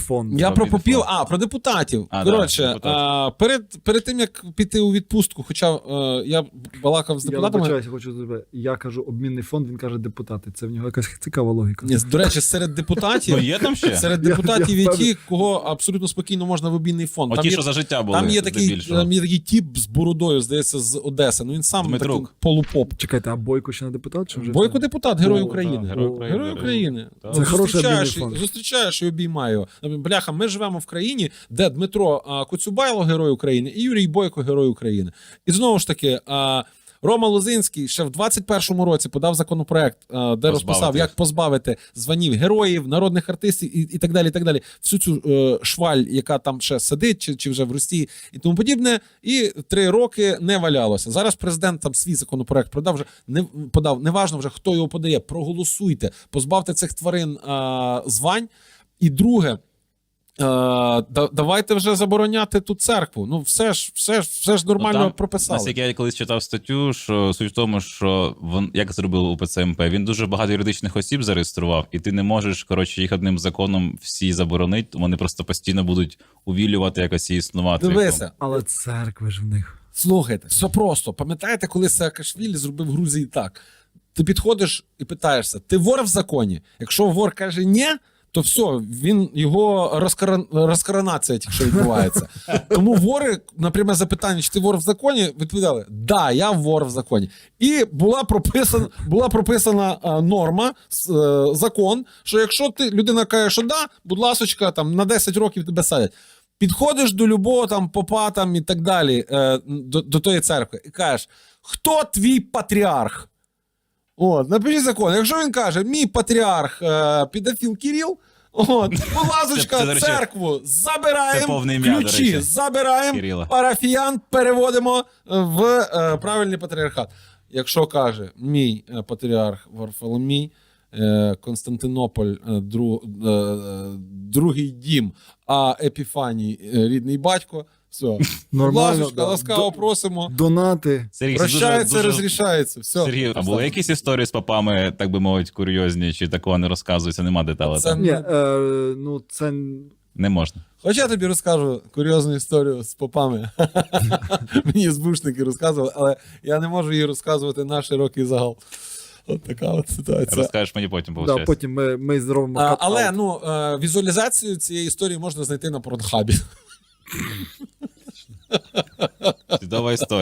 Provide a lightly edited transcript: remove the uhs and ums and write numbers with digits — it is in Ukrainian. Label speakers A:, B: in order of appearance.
A: фонд.
B: Я про
C: Мобільний
B: попів,
C: фонд.
B: про депутатів.
C: А,
B: Коротше,
C: да, депутат.
B: перед тим, як піти у відпустку, хоча я балакав з
A: Я
B: депутатами.
A: вибачаюся, хочу тебе. Я кажу обмінний фонд, він каже депутати. Це в нього якась цікава логіка.
B: Ні, до речі, серед депутатів,
C: Ну є там ще?
B: серед
A: Я
B: депутатів є ті,
A: впевнений.
B: кого абсолютно спокійно можна в обмінний фонд.
C: Оті, що за життя були,
B: там є
C: здебільшого.
B: такий тіп з бородою, здається, з Одеси. Ну він сам
C: Дмитрук.
B: такий полупоп.
A: Чекайте, а Бойко ще не депутат? Чи вже
B: Бойко
A: це?
B: депутат, Герой
A: О,
B: України.
C: Герой України.
B: Герой України.
C: Так.
A: Це хороший
B: Зустрічаєш,
A: обмінний фонд.
B: зустрічаєш і обіймає його. Бляха, ми живемо в країні, де Дмитро Коцюбайло Герой України і Юрій Бойко Герой України. І знову ж таки, Рома Лозинський ще в 21-му році подав законопроект, де розписав, як позбавити званів героїв, народних артистів і так далі, і так далі. Всю цю шваль, яка там ще сидить, чи вже в Росії і тому подібне, і 3 роки не валялося. Зараз президент там свій законопроект подав, неважно вже, хто його подає, проголосуйте, позбавте цих тварин звань. І друге, давайте вже забороняти ту церкву. Ну, все ж нормально
C: там,
B: прописали.
C: Наскільки я колись читав статтю, що суть в тому, що як зробили УПЦ МП, він дуже багато юридичних осіб зареєстрував, і ти не можеш, коротше, їх одним законом всі заборонити, вони просто постійно будуть увілювати якось і існувати.
B: Дивися,
A: Але церкви ж в них.
B: слухайте, все просто. Пам'ятаєте, коли Саакашвілі зробив в Грузії так? Ти підходиш і питаєшся, ти вор в законі? Якщо вор каже «ні», то все, його розкоронація тільки що відбувається. Тому вори, на пряме запитання, чи ти вор в законі, відповідали, да, я вор в законі. І була прописана норма, закон, що якщо людина каже, що да, будь ласочка, там, на 10 років тебе садять. Підходиш до любого там попа там, і так далі, до тої церкви, і кажеш, хто твій патріарх? Напишіть закон. Якщо він каже, мій патріарх педофіл Кирил, будь ласочка,
C: Це, до речі,
B: церкву
C: це
B: забираємо,
C: повне ім'я, до
B: ключі
C: речі,
B: забираємо,
C: Кирила.
B: парафіян переводимо в правильний патріархат. Якщо каже, мій патріарх Варфоломій, Константинополь, другий дім, а Епіфаній рідний батько, все.
A: Нормально,
B: Ласочка,
A: да.
B: ласкаво просимо.
A: Донати.
C: Сергій, це
B: Прощається,
C: дуже-
B: розрішається. Все.
C: Сергій, а були якісь історії з попами, так би мовити, курйозні, чи такого не розказується, нема деталей?
B: Це-
C: там?
A: Ні, ну це
C: Не можна.
B: Хоч я тобі розкажу курйозну історію з попами. Мені збушники розказували, але я не можу її розказувати на широкий загал. От така от ситуація.
C: Розкажеш мені потім,
A: да,
C: виходить.
A: потім ми зробимо кат-аут.
B: Але візуалізацію цієї історії можна знайти на Порнхабі.
C: Чудова історія.